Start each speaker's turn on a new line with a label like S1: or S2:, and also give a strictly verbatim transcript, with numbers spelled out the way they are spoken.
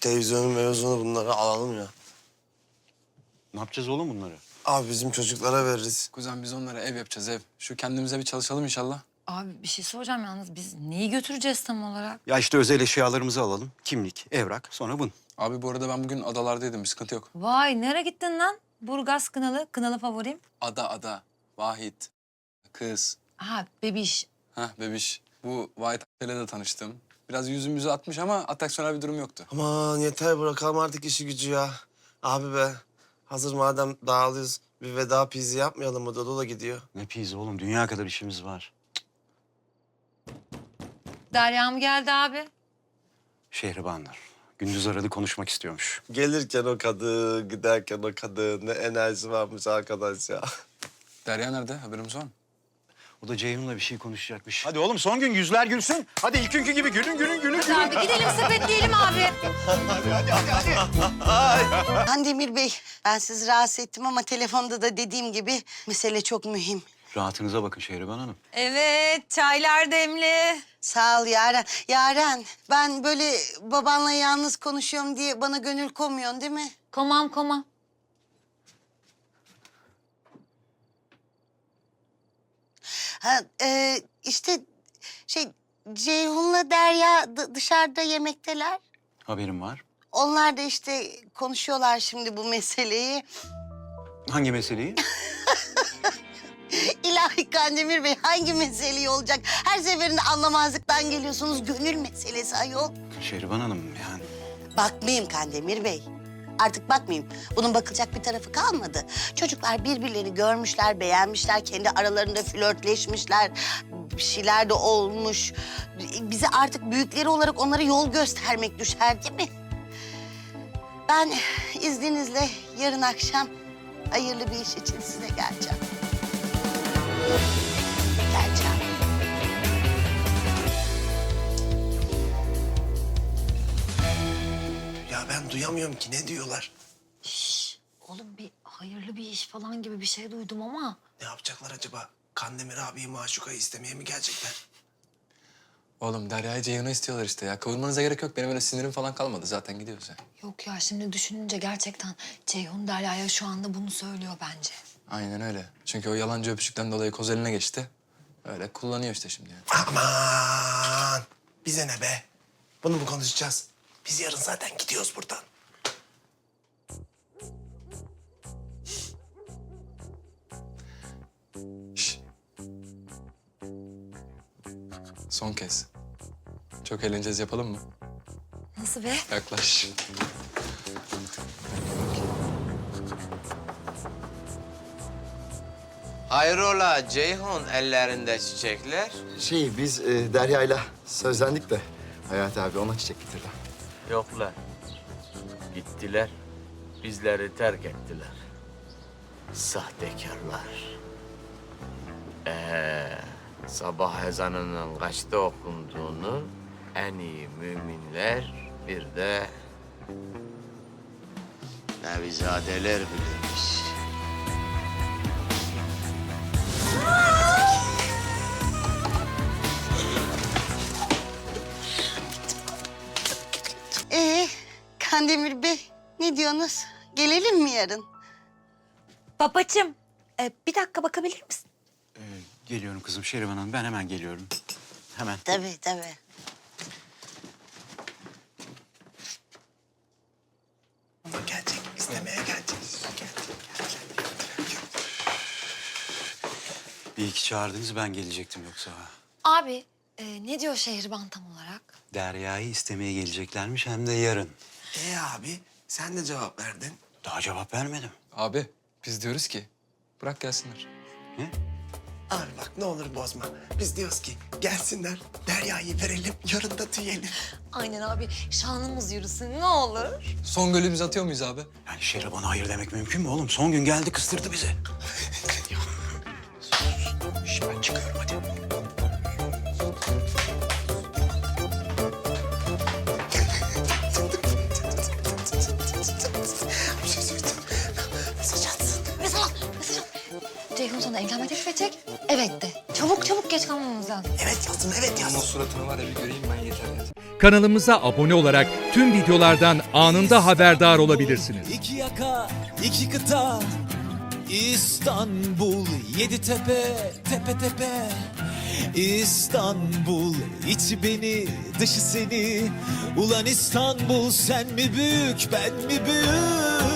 S1: televizyonu mevzunu bunları alalım ya.
S2: Ne yapacağız oğlum bunları?
S1: Abi bizim çocuklara veririz.
S3: Kuzen biz onlara ev yapacağız ev. Şu kendimize bir çalışalım inşallah.
S4: Abi bir şey soracağım yalnız. Biz neyi götüreceğiz tam olarak?
S2: Ya işte özel eşyalarımızı alalım. Kimlik, evrak, sonra bun.
S3: Abi bu arada ben bugün adalardaydım, bir sıkıntı yok.
S4: Vay nereye gittin lan? Burgaz Kınalı, Kınalı favorim.
S3: Ada, ada, Vahit, kız,
S4: Ha bebiş.
S3: heh bebiş. Bu Vahit ile de tanıştım. Biraz yüzümüzü atmış ama atraksiyonel bir durum yoktu.
S1: Aman yeter bırakalım artık işi gücü ya. Abi be hazır madem dağılıyoruz bir veda pizi yapmayalım mı? Dodo da gidiyor.
S2: Ne pizza oğlum, dünya kadar işimiz var.
S4: Derya mı geldi abi?
S2: Şehribanlar. Gündüz aradı, konuşmak istiyormuş.
S1: Gelirken o kadın, giderken o kadın. Ne enerji varmış arkadaş ya.
S3: Derya nerede? Haberimiz var mı?
S2: O da Ceyhun'la bir şey konuşacakmış. Hadi oğlum son gün yüzler gülsün. Hadi ilk günkü gibi gülün gülün gülün.
S4: Hadi abi gidelim sepetleyelim abi.
S5: Kandemir Bey, ben sizi rahatsız ettim ama telefonda da dediğim gibi mesele çok mühim.
S2: Rahatınıza bakın Şehriban Hanım.
S4: Evet çaylar demli.
S5: Sağ ol Yaren. Yaren, ben böyle babanla yalnız konuşuyorum diye bana gönül koymuyorsun değil mi?
S4: Komam komam.
S5: Ha, e, işte şey Ceyhun'la Derya dı- dışarıda yemekteler.
S2: Haberim var.
S5: Onlar da işte konuşuyorlar şimdi bu meseleyi.
S2: Hangi meseleyi?
S5: İlahi Kandemir Bey hangi meseleyi olacak? Her seferinde anlamazlıktan geliyorsunuz. Gönül meselesi ayol.
S2: Şehriban Hanım yani.
S5: Bakmayayım Kandemir Bey. Artık bakmayayım. Bunun bakılacak bir tarafı kalmadı. Çocuklar birbirlerini görmüşler, beğenmişler. Kendi aralarında flörtleşmişler. Bir şeyler de olmuş. Bize artık büyükleri olarak onlara yol göstermek düşer değil mi? Ben izninizle yarın akşam hayırlı bir iş için size geleceğim. Geleceğim.
S1: Ya ben duyamıyorum ki ne diyorlar?
S4: Şş, oğlum bir hayırlı bir iş falan gibi bir şey duydum ama.
S1: Ne yapacaklar acaba? Kandemir abiyi maşukayı istemeye mi gelecekler?
S3: Oğlum Derya'yı Ceyhun'a istiyorlar işte ya. Kavurmanıza gerek yok. Benim öyle sinirim falan kalmadı. Zaten gidiyoruz ya.
S4: Yok ya şimdi düşününce gerçekten Ceyhun Derya'ya şu anda bunu söylüyor bence.
S3: Aynen öyle. Çünkü o yalancı öpücükten dolayı koz eline geçti. Öyle kullanıyor işte şimdi yani.
S1: Aman! Bize ne be? Bunu mu konuşacağız? Biz yarın zaten gidiyoruz buradan.
S3: Şş. Son kez. Çok eğleneceğiz, yapalım mı?
S4: Nasıl be?
S3: Yaklaş.
S6: Hayrola Ceyhun ellerinde çiçekler?
S7: Şey, biz e, Derya'yla sözlendik de Hayati abi ona çiçek getirdi.
S6: Yoklar. Gittiler. Bizleri terk ettiler. Sahtekarlar. Ee, sabah ezanının kaçta okunduğunu en iyi müminler bir de nevizadeler bilirmiş.
S5: Ee, Kandemir Bey ne diyorsunuz? Gelelim mi yarın?
S4: Babacığım e, bir dakika bakabilir misin?
S2: Ee, geliyorum kızım Şehriban Hanım. Ben hemen geliyorum. Hemen.
S5: Tabii tabii.
S1: Ama gelecek, istemeye gelecek. Gelecek, gelecek.
S2: Bir iki çağırdınız, ben gelecektim yoksa.
S4: Abi e, ne diyor Şehriban tam olarak?
S2: Derya'yı istemeye geleceklermiş, hem de yarın.
S1: Ee abi sen de cevap verdin.
S2: Daha cevap vermedim.
S3: Abi biz diyoruz ki bırak gelsinler.
S2: Ne?
S1: Abi bak ne olur bozma. Biz diyoruz ki gelsinler, Derya'yı verelim, yarın da tüyelim.
S4: Aynen abi şanımız yürüsün ne olur.
S3: Son golümüzü atıyor muyuz abi?
S2: Yani Şehriban'a hayır demek mümkün mü oğlum? Son gün geldi, kıstırdı bizi. Şş, ben çıkıyorum hadi.
S1: Bir şey söyleyeceğim. Mesaj atsın.
S4: Mesaj at, mesaj at. Ceyhun sana evlenme teklif edecek. Evet de. Çok Çabuk çabuk geç kalmamız lazım.
S1: Evet yazdım, evet
S3: Onun o
S1: yazdım.
S3: suratını var ya bir göreyim ben yeter ya.
S8: Kanalımıza abone olarak tüm videolardan anında haberdar olabilirsiniz.
S9: İki yaka, iki kıta, İstanbul, yedi tepe, tepe tepe. İstanbul, içi beni, dışı seni. Ulan İstanbul, sen mi büyük, ben mi büyük?